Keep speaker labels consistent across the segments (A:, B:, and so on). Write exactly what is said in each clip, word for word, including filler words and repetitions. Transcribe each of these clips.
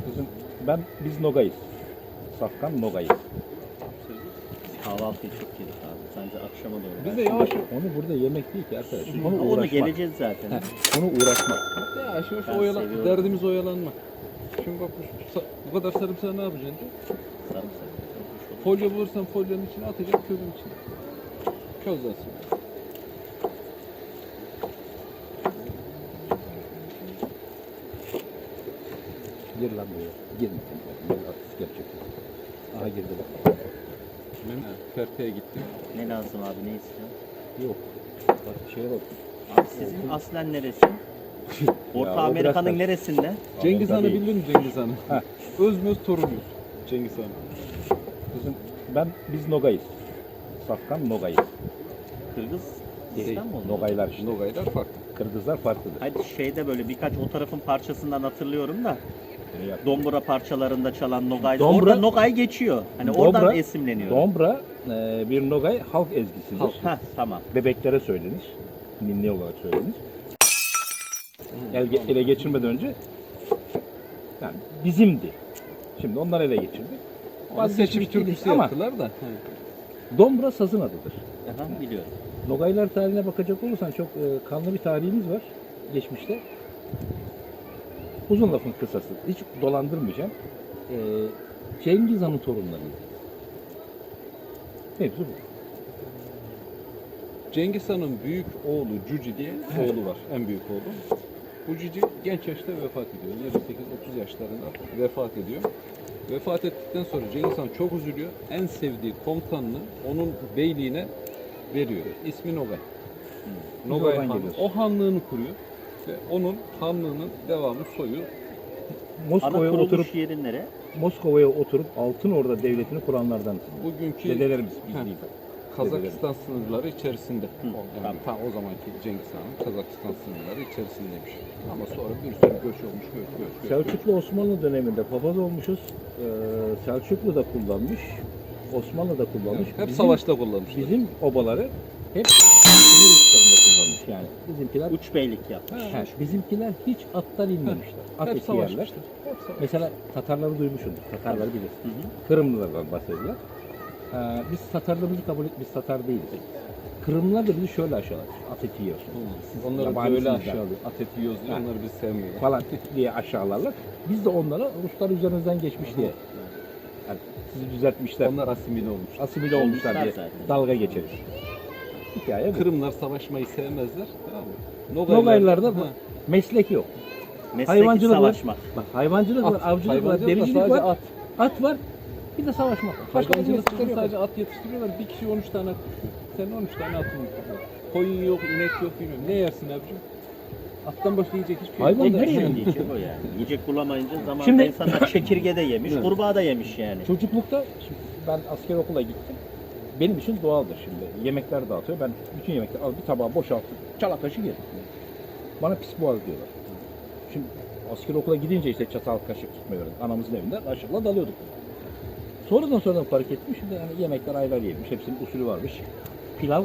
A: Bizim, ben, biz Nogay'ız. Safkan Nogay'ız.
B: Kahvaltıyı çok yedik abi. Sence akşama doğru.
A: Biz de yavaş onu burada yemek değil ki arkadaş. Onu
B: Ona
A: uğraşmak.
B: geleceğiz zaten.
A: Heh, onu uğraşmak.
C: Yavaş yavaş
B: Ben
C: oyalan,
B: seviyorum.
C: derdimiz oyalanmak. Şimdi bak bu, bu kadar sarımsağı ne yapacaksın?
B: Sarımsak.
C: Folyo bulursan folyonun içine atacaksın, közün içine. Közlensin.
A: Gir lan buraya. Girme. Artist gerçekten. Aha girdi bak.
C: Ben Ferte'ye gittim.
B: Ne lazım abi, ne istiyorsun?
A: Yok. Bak şeye bak.
B: Abi sizin aslen neresi? Orta
A: Ya, o
B: Amerika'nın
A: biraz da-
B: neresinde?
C: Cengiz Han'ı
A: tabii.
C: bildin mi Cengiz Han'ı?
A: Ha.
C: Özmöz torunuyuz. Cengiz Han.
A: Bizim, ben, biz Nogay'ız. Safkan Nogay'ız.
B: Kırgız İstanbul mu?
A: Nogaylar işte.
C: Nogaylar farklı.
A: Kırgızlar farklıdır.
B: Hadi şeyde böyle birkaç o tarafın parçasından hatırlıyorum da
A: Yani yap-
B: Dombra parçalarında çalan Nogay.
A: Dombra-
B: Orada Nogay geçiyor. Hani
A: Dombra-
B: oradan esinleniyor.
A: Dombra e, bir Nogay halk ezgisidir.
B: Halk. Heh, tamam.
A: Bebeklere söylenir. Ninni olarak söylenir. El, ele geçirmeden önce yani bizimdi. Şimdi onlar ele geçirdi.
C: Onu seçim
A: Vazgeçmiş değiliz
C: türküsü
A: ama
C: yaptılar da.
A: Dombra sazın adıdır.
B: Aha, biliyorum.
A: Nogaylar tarihine bakacak olursan çok e, kanlı bir tarihimiz var geçmişte. Uzun lafın kısası. Hiç dolandırmayacağım. E, Cengiz Han'ın torunlarıydı. Mevzu bu.
C: Cengiz Han'ın büyük oğlu Cüci diye oğlu var. En büyük oğlu. Bu Cüci genç yaşta vefat ediyor. yirmi sekiz otuz yaşlarında vefat ediyor. Vefat ettikten sonra Cengiz Han çok üzülüyor. En sevdiği komutanını onun beyliğine veriyor. İsmi Nogay.
A: Biz
C: Nogay
A: oradan
C: Han.
A: geliyoruz.
C: O hanlığını kuruyor. Ve onun hanlığının devamı soyu.
B: Ana
A: Moskova'ya
B: kuruluş
A: oturup
B: yeri nere?
A: Moskova'ya oturup Altın Orda devletini kuranlardan.
C: Bugünkü
A: Dedelerimiz
C: Heh.
A: biz değil.
C: Kazakistan sınırları içerisinde.
B: Hı,
C: O, yani
B: tamam.
C: ta o zamanki Cengiz Han'ın Kazakistan sınırları içerisindeymiş. Ama sonra bir sürü göç olmuş, göç, göç, göç.
A: Selçuklu Osmanlı döneminde papaz olmuşuz. Ee, Selçuklu da kullanmış. Osmanlı da kullanmış.
C: Hep
A: Bizim-
C: savaşta kullanmışlar.
A: Bizim obaları hep sinir uçlarında kullanmış yani. Bizimkiler
B: Uç beylik yapmış.
A: he, bizimkiler hiç attan inmemişler. At
C: Hep
A: eti yerler.
C: savaşmışlar. Hep savaş.
A: Mesela Tatarları duymuşsundur. Tatarları bilir.
B: Hı hı.
A: Kırımlılardan bahsediyorlar. Ee, biz Tatarlarımızı kabul et, biz Tatar değiliz. Kırımlılar da bizi şöyle aşağılar. At eti yiyorsun. Siz
C: Onları
A: yabancısınız
C: böyle
A: yani.
C: aşağılıyor. At eti yiyoruz diye
A: Ha.
C: onları biz sevmiyorlar.
A: Falan diye aşağılarlar. Biz de onlara Ruslar üzerinizden geçmiş diye. Yani sizi düzeltmişler.
C: Onlar asimile olmuş.
A: Asimile olmuşlar
B: Olmuşlar
A: diye
B: zaten.
A: dalga geçeriz. Hikaye bu.
C: Kırımlar savaşmayı sevmezler. Tamam mı?
A: Nogaylarda bu
C: Ha.
A: meslek yok.
B: Mesleki
A: Hayvancılık var.
B: savaşmak.
A: Bak hayvancılık var,
C: At.
A: avcılık var,
C: Hayvancılık da
A: dericilik
C: sadece
A: var.
C: at.
A: At var. Bir de savaşmak var. Başka bir
C: Hayvancılıkta
A: meslekleri yok.
C: sadece at yetiştiriyorlar. Bir kişi on üç tane at tutuyor. Senin on üç tane atın var. Koyun yok, inek yok, bilmiyorum. Ne yersin abicim? Attan başka yiyecek hiçbir şey
A: Hayvan
C: yok.
A: nereye
B: Nereye
A: yani?
B: yiyecek o yani? Yiyecek bulamayınca zamanında
A: Şimdi-
B: insanlar çekirge de yemiş,
C: Evet.
B: kurbağa da yemiş yani.
A: Çocuklukta şimdi ben asker okula gittim. Benim için doğaldır şimdi. Yemekler dağıtıyor. Ben bütün yemekleri al bir tabağa boşaltıp çala kaşık yerim. Bana pis boğaz diyorlar. Şimdi asker okula gidince işte çatal kaşık tutmayı öğrendim. Anamızın evinde kaşıkla dalıyorduk. Sonradan sonradan fark ettim. Şimdi yani yemekler aylar yenilmiş. Hepsinin usulü varmış. Pilav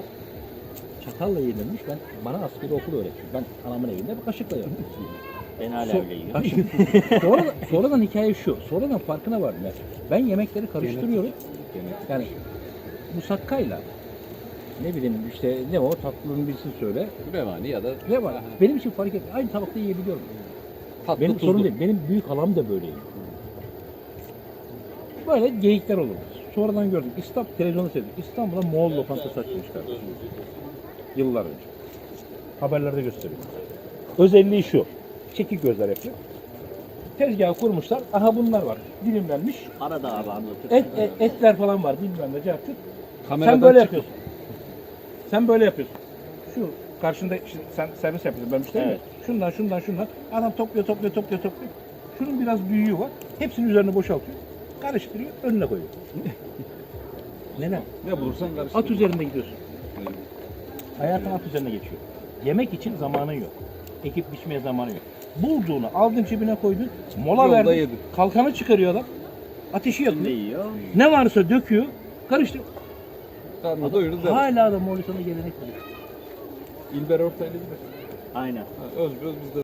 A: çatalla yenilmiş. Ben bana askeri okul öğretmiş. Ben anamın evinde bir kaşıkla yerim.
B: Ben hala
A: So-
B: öyle yiyorum.
A: Bak şimdi, sonradan, sonradan hikaye şu. Sonradan farkına vardım. Yani ben yemekleri karıştırıyorum.
C: Genetik.
A: Yani musakkayla ne bileyim işte ne o tatlının birisini söyle.
C: Revani ya da
A: Ne var? Benim için fark etmiyor. Aynı tabakta yiyebiliyorum.
C: tatlı
A: Benim
C: tuzlu.
A: sorun değil. Benim büyük halam da böyleydi. Böyle geyikler olurdu. Sonradan gördüm. İstanbul televizyonu seyrettim. İstanbul'a Moğol lokantası açmışlar. Yıllar önce. Haberlerde gösteriyor. Özelliği şu. Çekik gözler yapıyor. Tezgahı kurmuşlar. Aha bunlar var. Dilimlenmiş.
B: Arada abi anlatır.
A: Et, et- etler falan var. Bilmem ne yaptık.
C: Kameradan
A: Sen böyle
C: çıkıp-
A: yapıyorsun. Sen böyle yapıyorsun. Şu karşında işte sen servis yapıyorsun. Ben müşteriyim.
B: Evet.
A: ya. Şundan şundan şundan. Adam topluyor topluyor topluyor topluyor. Şunun biraz büyüğü var. Hepsinin üzerine boşaltıyor. Karıştırıyor. Önüne koyuyor. Neden?
C: Ne bulursan karıştır.
A: At üzerinde gidiyorsun. Hayatın at üzerine geçiyor. Yemek için zamanın yok. Ekip biçmeye zamanı yok. Bulduğunu aldın cebine koydun. Mola
C: Yolda
A: verdin.
C: yedin.
A: Kalkanı çıkarıyor adam. Ateşi
B: Ne
A: yakıyor.
B: yiyor?
A: Ne varsa döküyor. Karıştırıyor.
C: Karnı doyurdu devam.
A: Hala da Moğolistan'da gelenek var.
C: İlber Ortaylı bilir.
B: Aynen.
C: Ha, Özböz bizde